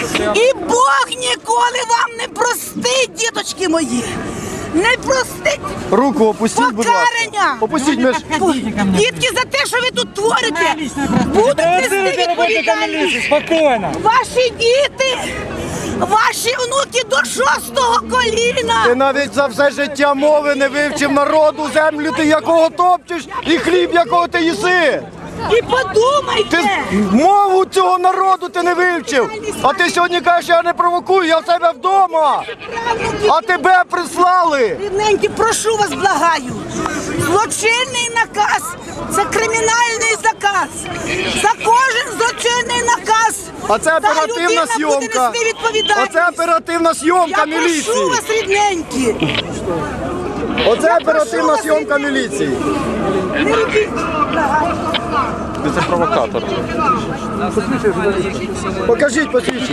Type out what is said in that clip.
І Бог ніколи вам не простить, діточки мої. Не простить Руку опустіть, будь ласка. покарання. Опустіть, ми ж... Дітки, за те, що ви тут творите, будуть нести відповідальність. Спокійно. Ваші діти, ваші внуки до 6-го коліна. Ти навіть за все життя мови не вивчив народу, землю ти якого топчеш і хліб якого ти їси. І подумайте. Ти мову цього народу ти не вивчив. А ти сьогодні кажеш, я не провокую, я в себе вдома. А тебе прислали. Рідненькі, прошу вас, благаю. Злочинний наказ – це кримінальний заказ. За кожен злочинний наказ А це та оперативна людина зйомка. буде нести відповідальність. Оце оперативна зйомка Я міліції. прошу вас, рідненькі. Оце оперативна зйомка міліції. Не робіть, благаю. Покажіть посвідчення.